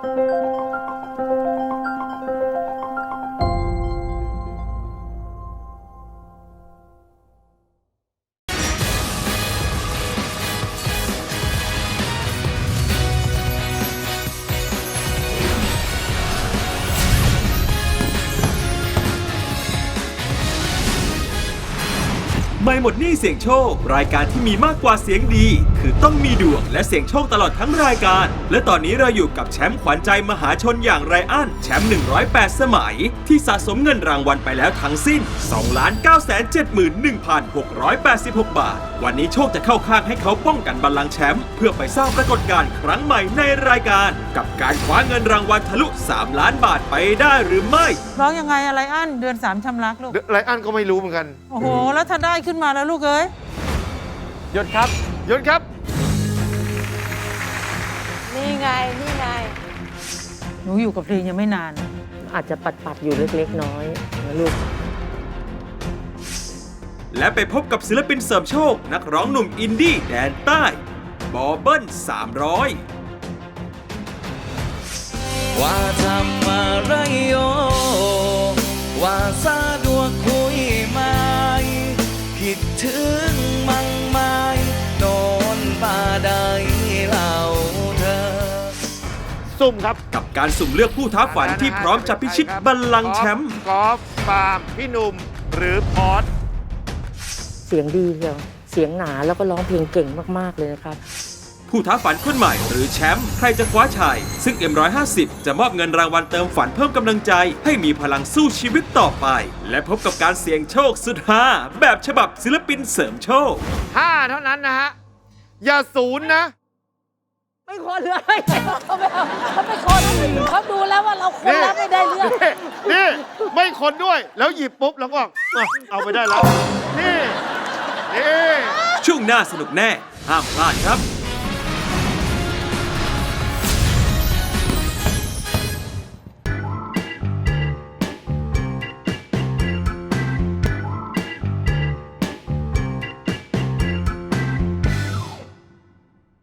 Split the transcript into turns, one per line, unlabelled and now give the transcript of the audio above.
ไม่หมดหนี้เสี่ยงโชครายการที่มีมากกว่าเสียงดีคือต้องมีดวงและเสี่ยงโชคตลอดทั้งรายการและตอนนี้เราอยู่กับแชมป์ขวัญใจมหาชนอย่างไรอันแชมป์108 สมัยที่สะสมเงินรางวัลไปแล้วทั้งสิ้น 2,971,686 บาทวันนี้โชคจะเข้าข้างให้เขาป้องกันบัลลังก์แชมป์เพื่อไปสร้างปรากฏการณ์ครั้งใหม่ในรายการกับการคว้าเงินรางวัลทะลุ3 ล้านบาทไปได้หรือไม่
ร้องยังไงอะไรอันเดือน3ชำรักลูก
ไรอันก็ไม่รู้เหมือนกัน
โอ้โหแล้วถ้าได้ขึ้นมาแล้วลูกเอ้ย
หยุดครับหยุดครับ
นี่ไงนี่ไง
หนูอยู่กับเพลงยังไม่นาน
อาจจะปัดอยู่เล็กๆน้อยนะลูก
และไปพบกับศิลปินเสริมโชคนักร้องหนุ่มอินดี้แดนใต้บอเบิ้ล300
ว่าทำอะไรโยว่าสะดวกคุยไหมคิดถึงมั่งไหมนอนป่าใดเล่าเธอ
สุ่มครับ
กับการสุ่มเลือกผู้ท้าฝันที่พร้อมจะพิชิตบัลลังก์แชมป์
กอล์ฟปาล์มพี่หนุ่มหรือพอส
เสียงดีเชียวเสียงหนาแล้วก็ร้องเพลงเก่งมากๆเลยนะครับ
ผู้ท้าฝันคนใหม่หรือแชมป์ใครจะคว้าชัยซึ่ง M150 จะมอบเงินรางวัลเติมฝันเพิ่มกำลังใจให้มีพลังสู้ชีวิตต่อไปและพบกับการเสี่ยงโชคสุดฮาแบบฉบับศิลปินเสริมโชค
5เท่านั้นนะฮะอย่าศูนย์นะ
ไม่คนเลยเขาไม่คนเขาดูแล้วว่าเราคนแล้วไม่ได้เรื่อง
นี่ไม่คนด้วยแล้วหยิบปุ๊บแล้วก็เอาไปได้แล้วนี่
ช่วงหน้าสนุกแน่ห้ามพลาดครับ